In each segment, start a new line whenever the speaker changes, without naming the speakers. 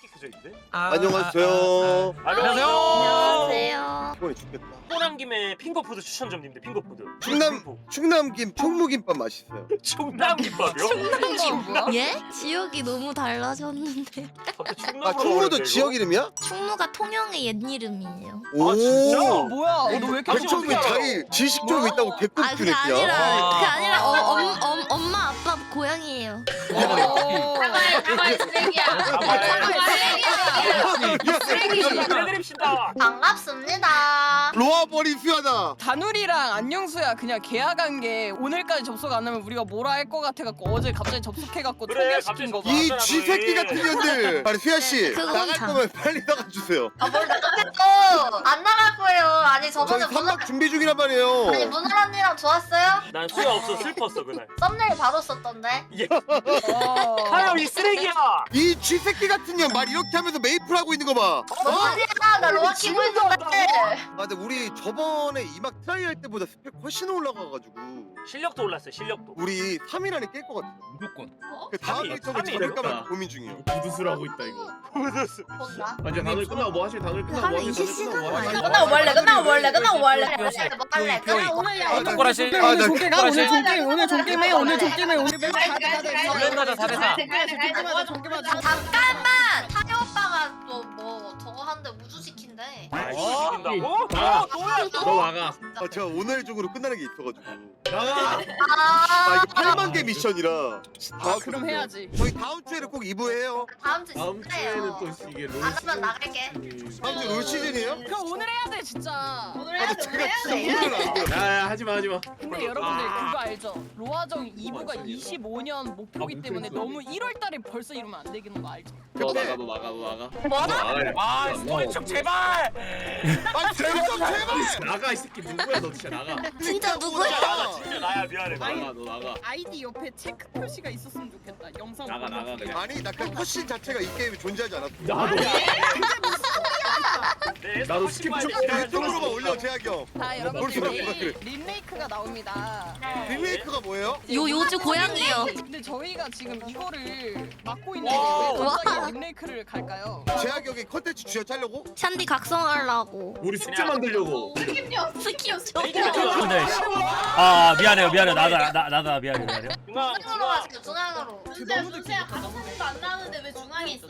새끼 켜져 있는데?
안녕하세요.
안녕하세요.
이번에 죽겠다.
떠난 김에 핑거푸드 추천 좀 드립니다. 핑거푸드.
충남김 총무김밥 맛있어요.
충남김밥이요?
예? 지역이 너무 달라졌는데.
갑자기
아
충남으로
충무도
가버렸네,
지역
이거?
이름이야?
충무가 통영의 옛 이름이에요.
오.
진짜?
뭐야? 너 왜 이렇게
백종이 자기 지식 좀 있다고
아
개꿀
그게
냈야
아니라 엄마 아빠 고향이에요.
사과해 쓰레기야.
해드립시다.
반갑습니다.
로아버리 수야다.
다누리랑 안녕수야 그냥 계약한 게 오늘까지 접속 안 하면 우리가 뭐라 할 것 같아갖고 어제 갑자기 접속해갖고
그래,
소개시킨 거 봐.
갑자기
이
맞잖아,
쥐새끼
너희.
같은 년들. 아니 수야 씨
그건
나갈
참.
거면 빨리 나가 주세요.
뭘 나갔겠어? 안 나갈 거예요. 아니
저희
저번에
선박 준비 중이란 말이에요.
아니 문을 언니랑 좋았어요?
난 수야 없어 슬펐어 그날.
썸네일 바로 썼던데.
하영 이 쓰레기야.
이 쥐새끼 같은 년 말 이렇게 하면서 메이플 하고 있는 거 봐.
뭔 소리야? 나 로아 키고 있는데.
아 근데 우리 저번에 이막 트라이 할 때보다 스펙 훨씬 올라가가지고
실력도 올랐어요 실력도.
우리 3일 안에 깰 것 같아.
무조건.
그 다음
삼일,
일정을
삼일.
잡을까 말까 고민 중이에요.
부두술 하고 있다 이거.
뭔가?
완전 다들 끝나고 뭐 하실? 다들 끝나고 뭐
하면
하실?
20시간
뭐 하실?
아니야?
끝나고 뭐 할래? 끝나고 뭐 할래? 끝나고 뭐 할래?
몇 시에?
뭐 할래? 끝나고 오늘
아, 나-
오늘 종게임
아,
오늘
나-
종게임 오늘 종게임해 오늘 종게임해 오늘 맨날
블렌더자 4대4.
잠깐만! 타요 오빠가 뭐 저거 하는데 우주 시킨대.
아
어?
시킨다고?
나.
뭐야
너 나가.
아 제가 오늘 중으로 끝나는 게 있어가지고.
나가.
아 이게 8만 개 미션이라.
아 그럼 해야지.
저희 다음 주에는 꼭 2부 해요.
다음 주
다음 주에는
진짜예요.
또 이게 롤
안 하면 나갈게.
다음 주 롤 시즌이에요?
그럼 오늘 해야 돼 진짜.
오늘
아
해야
근데
돼.
제가 진짜 오늘 안 돼요.
야야 하지마 하지마.
근데 여러분들 그거 알죠? 로아정 2부가 25년 목표기 때문에 너무 1월달에 벌써 이러면 안 되는 거 알죠?
너 나가 너 나가 너 나가.
뭐라?
아 스토리축 제발.
아 제발 좀 제발.
나가 이 새끼 누구야 너 진짜 나가.
진짜 누구야?
진짜 나가 진짜 나야 미안해.
나가 너 나가.
아이디 옆에 체크 표시가 있었으면 좋겠다. 영상
나가,
보면서.
나가, 그냥.
아니 나 그 컷신 자체가 이 게임에 존재하지 않았어.
나도. 나도 스킵 좀
유튜브로만 올려 제약이 형.
자
뭘
여러분들
수락
내일
그래.
림메이크가 나옵니다.
리메이크가 뭐예요?
요주 고향이요.
근데 저희가 지금 이거를 맡고 있는데
와.
왜 갑자기 림메이크를 갈까요?
제약이 형이 컨텐츠 주여 짜려고?
샨디 각성하려고.
우리 숙제 만들려고.
스킵
근데 아 미안해요 나도 미안해요.
중앙
중앙으로 가세요. 중앙으로.
너무 느끼겠다. 너무 느끼겠다.
안 나오는데 왜 중앙에 있어?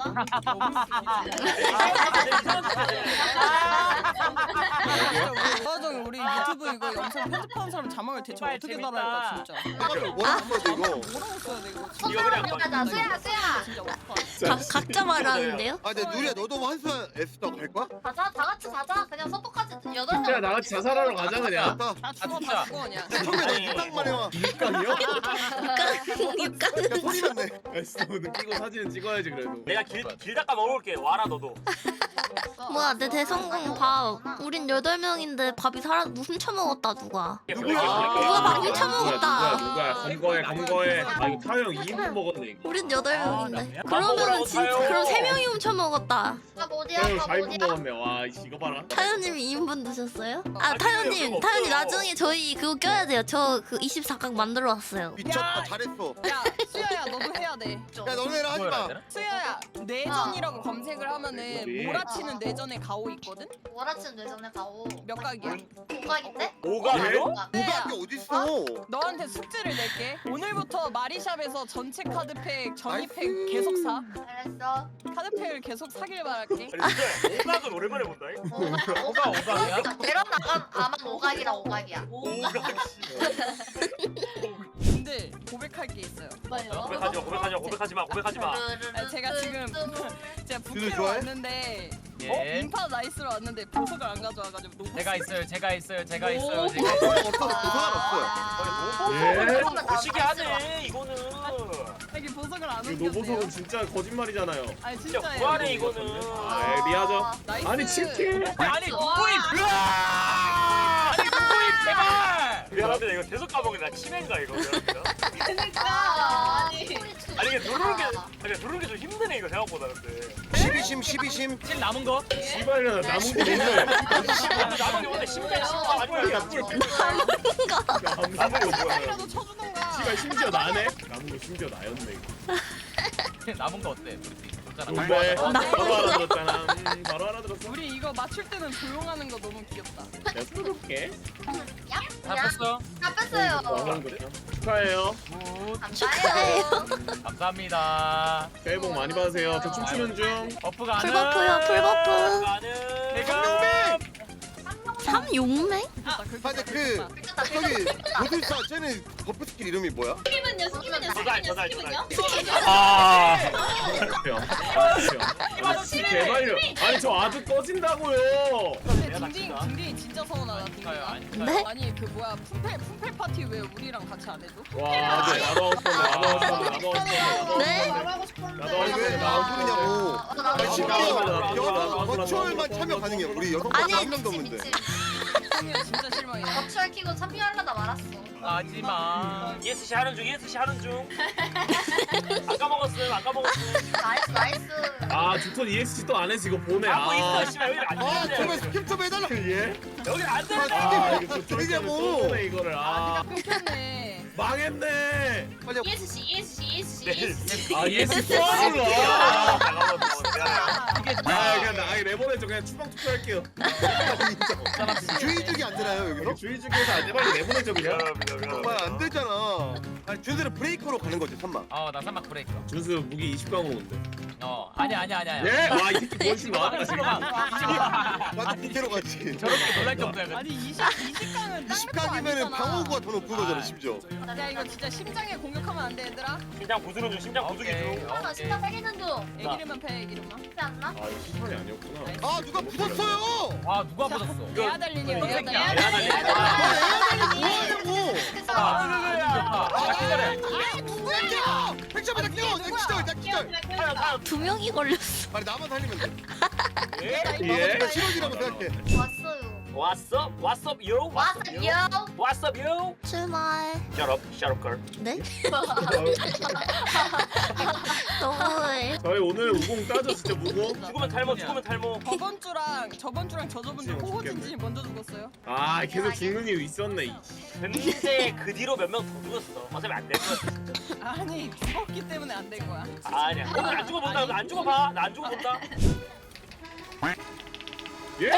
로아정 우리 유튜브 이거 영상 편집하는 사람 자막을 대체 어떻게 달아야 할까 진짜.
내가 뭐라고 써야 돼 이거?
뭐라고 써야 돼 이거?
이거 그냥
가자. 수야.
진짜 어떡하지?
각자 말하는데요?
아 근데 누리야 너도 한수한 S다고 갈 거야?
가자. 다 같이 가자. 그냥 서포까지 8명.
야 나같이 자살하러 가자 그냥.
나
다 죽어 다 죽어 그냥.
처음에 너 입당만 해와.
육강이요?
야 소리 났네.
에스노는 끼고 사진은 찍어야지 그래도.
내가 길 닦아 먹을게. 와라 너도.
뭐야 내 대성공 밥. 우린 8명인데 밥이 훔쳐먹었다 누가.
누구야?
누가 밥 훔쳐먹었다.
누구야 검거해. 아 이거 타영 2분 먹었네 이거.
우린 8명인데.
밥 먹으러
그러면은 진짜
가요.
그럼 3명이 훔쳐먹었다.
아 뭐디야?
타영
아
4분
뭐디야?
먹었네. 와 이거 봐라.
타연님이 2인분 드셨어요? 아
아니,
타연님
그럴 수가
나중에 저희 그거 껴야 돼요. 저 그 24각 만들어 왔어요.
미쳤다 잘했어.
야 수야야 너도 해야 돼.
야 너네랑 하지 마.
수야야 내전이라고 검색을 하면은
뭐지?
몰아치는 내전에 가오 있거든?
월화침 뇌전에 가오.
몇 각이야?
고각인데?
오가요?
고각이 어딨어?
너한테 숙제를 낼게. 오늘부터 마리샵에서 전체 카드팩 전이팩
나이스.
계속 사.
잘했어.
카드팩을 계속 사길 바랄게.
아니 근데 오각은 오랜만에 본다.
오각이야? 내려 나간 아마 오각이라 오각이야.
오각
근데 고백할 게 있어요.
고백하지 마.
아니, 제가 지금 제가
진우
부캐로
좋아해?
왔는데
예.
인파 나이스로 왔는데 보석을 안 가져와가지고 너무
제가 있어요. 제가 있어요.
없어 고상은 없어요.
거시기 하네 이거는.
여기 보석을 안
이거 노보석은
옮겼네요.
진짜 거짓말이잖아요.
아니
진짜
진짜예요.
구하네 이거는.
아 리하죠.
나이스.
아니 치킨.
아니 누구임? 아니 누구임 제발. 미안합니다 이거 계속 까먹네. 나 치매인가 이거 미안합니다. 아니 이게 누르는 게 좀 힘드네 이거 생각보다 근데.
12심
실 남은 거?
씨발이나 남은 거 뭔데?
나머지 원래 심장 심장 아니면
야 뿔. 남은 거 뭐야?
이라도 쳐주던가.
씨발 심지어 나네? 남은 거 심지어 나였네 이거.
남은 거 어때? 우리 알아들었잖아.
좋은데
나-
바로 알아들었잖아. 바로 알아들었어.
우리 이거 맞출 때는 조용하는 거 너무 귀엽다.
내가 풀어볼게.
다 뺐어.
다 뺐어요.
축하해요.
굿.
감사해요.
감사합니다.
새해 복 많이 받으세요. 저 춤추는 중.
버프 가능.
풀버프요, 풀버프.
가능.
성룡맹!
삼용맹?
귀엽다, 그렇게
맞아,
다
그-
귀엽다.
미쳤다.
저기 고술사 쟤는 버프 스킬 이름이 뭐야?
스킵은요?
아.
제발요. 아니 저 아주 꺼진다고요.
근데 딩딩 진짜 서운하다 딩딩아.
네?
아니 그 뭐야 품펠 파티 왜 우리랑 같이 안 해줘?
와 나도 하고 싶었네. 나도 하고 싶었네. 나도 하고 싶었네.
네?
나도 하고
아니 왜
싶었네.
안 부르냐고. 아니 심지어
나도
여성 버추얼만 참여 가능해. 우리 여성 버추얼 한 명도 없는데.
딩딩이 진짜 실망이야.
버추얼 키고 참여하려다 말았어.
하지마.
ESC 하는 중 ESC 하는 중. 아까 먹었음 아까 먹었음.
나이스 나이스.
아 두톤 ESC 또 안 했어. 이거 보내.
하고
아
있어 씨발 여기 안
아 제발
되는데.
스킵 좀 해달라.
예?
여기 안 되는데.
아 이거 두톤
되냐고.
또 보내 이거를. 아
끊겼네.
망했네.
빨리
아 ESC 또
아,
몰라.
잠깐만 잠깐만.
아 그냥 나 내보내줘. 그냥 추방 투표할게요.
주의죽이 안 되나요 여기서?
주의 중에서 안 돼. 빨리 내보내줘 그냥.
정말 안 되잖아. 아니 준수는 브레이커로 가는 거지 3만.
나 삼막 브레이크.
준수 무기 20강으로 온대.
아니야.
예? 와이 새끼 멋있나
나도 BK로 갔지.
저렇게 놀랄 정도야.
아니 20강은
20강이면은 방어구가 더 높은 거잖아 심지어.
야 이거 진짜 심장에 공격하면 안 돼 얘들아.
심장 부수는 중 심장 부수기 중.
나 진짜 살리는 중.
애기름만 패 애기름만.
그렇지 않나?
아 이거 심판이 아니었구나.
아 누가 부쉈어요?
아 누가 받았어?
레아 달린이야 레아 달린.
레아 달린.
뭐하냐고?
기다려.
누구야? 백점에다 끼워. 나 기절. 나 기절.
두 명이 걸렸어.
아니 나만 살리면 돼.
예?
나만 실력이라고 생각해.
왔어요.
왔어? What's up yo?
왔어요.
What's up yo?
출발.
Shut up girl.
네? 너무해.
저희 오늘 우공 따져 진짜 무공.
죽으면 탈모 죽으면 탈모.
저번 주랑 저저번 주 호호 진진이 먼저 죽었어요.
아 계속 죽는 이유 있었네. 이.
근데 그 뒤로 몇 명 더 죽었어. 어차피 안 될 거야.
아니 죽었기 때문에 안 된 거야.
아니야. 오늘 안 죽어본다. 안 죽어봐. 나 안 죽어본다.
예?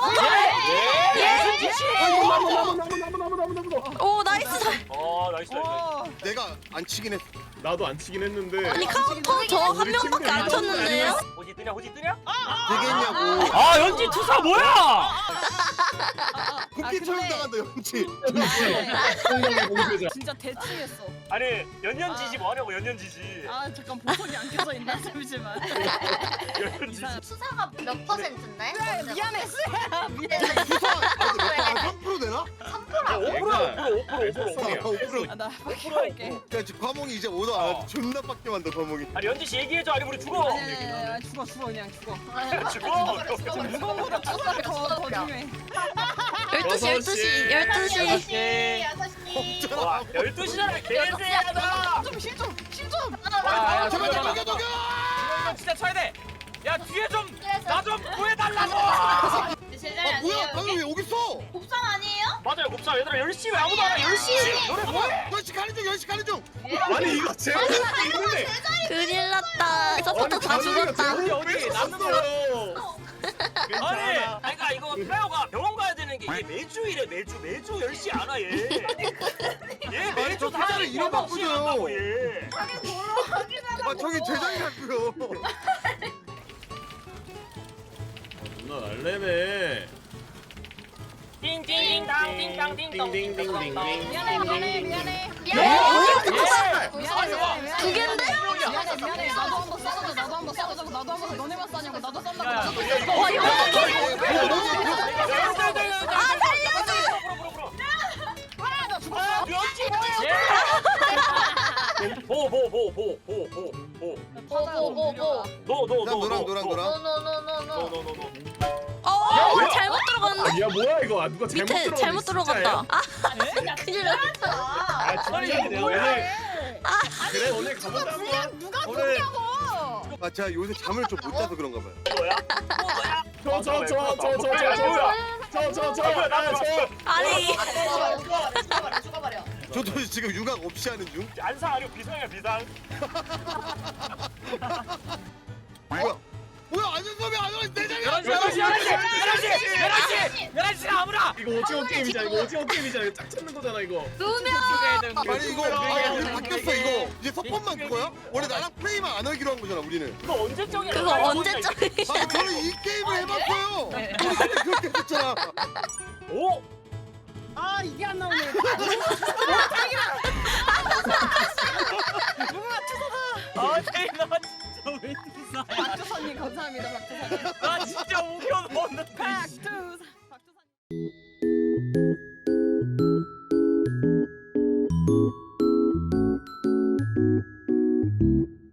오, 나이스.
나이스.
내가 안 치긴 했어.
나도 안 치긴 했는데.
아니, 카운터 저 한 명밖에 안 쳤는데요?
호지 뜨냐? 호지 뜨냐?
되겠냐고.
아 연지 투사 뭐야?
국기처럼 당한다 연치.
공격의 공세자.
진짜 대충했어.
아니 연년지지 뭐 하냐고 연년지지.
아 잠깐 보석이 안 켜져 있나 잠시만.
연년지지.
수사가 몇 퍼센트인데?
미안해 수야 미안해.
수사. 아 3% 되나?
5%.
나 밖에 갈게.
야 지금 과몽이 이제 오더 안 해. 존나 빡게 만다 과몽이.
아니 연지씨 얘기해줘. 아니 우리 죽어.
아니 죽어 그냥 죽어.
죽어.
무거워보다 수사가 더 중요해.
12시.
와 12시잖아 개새야 나.
실좀
제발 나 녹여.
진짜 쳐야 돼. 야 뒤에 좀 나 좀 구해달라고.
아 뭐야 방금 왜 여기 있어?
곱상 아니에요?
맞아요 곱사 얘들아 10시 왜 아무도 안 와? 10시. 너네 뭐해?
10시 가는 중 10시 가는 중.
아니 이거 제목 있는데.
큰일 났다. 서포터 다 죽었다.
어디
남았어요.
아니 그러니까 이거 페어가 병원 가야 되는 게 이게 매주 이래 매주 10시 안 와 얘. 얘 매주
저 사자를 이름 바꾸죠.
얘.
아 저기 제장이라고요.
누나 날래네.
띵띵띵당 띵당 띵동
띵띵띵띵띵.
미안해.
두 갠데?
미안해. 나도 한번 싸우자. 나도 한번 너네만 싸냐고. 나도 싼다고.
와, 이거
노노노노노.
노랑.
잘못 들어갔는데?
야 뭐야 이거? 아, 누가 잘못
밑에
들어갔네,
잘못 들어갔다. 아, 큰일 났다.
아 진짜 오늘 그래 오늘 가보자 한번.
누가
오늘
죽냐고.
아 제가 요새 잠을 좀 못 자서 그런가 봐요.
아니,
죽어버려.
저도 지금 육아 없이 하는 중.
안상 아니고 비상이야 비상.
뭐야 안전섭이 안 와. 내 자리야.
11시 아무라.
이거 오징어 게임이잖아. 이거 오징어 게임이잖아. 이거 짝 찾는 거잖아 이거.
아니 이거 우리 바뀌었어 이거. 이제 석번만 그거야? 원래 나랑 플레이만 안 하기로 한 거잖아 우리는.
그거 언제적이야?
그거 언제적이야?
아 저는 이 게임을 해봤어요. 우리 그때 그렇게 했잖아.
오?
아 이게 안 나오네.
아 제이나 진짜 왜 이렇게
박주선님 감사합니다. 박주선님.
나 진짜 우겨 넣었는데.
박주선. 박주선.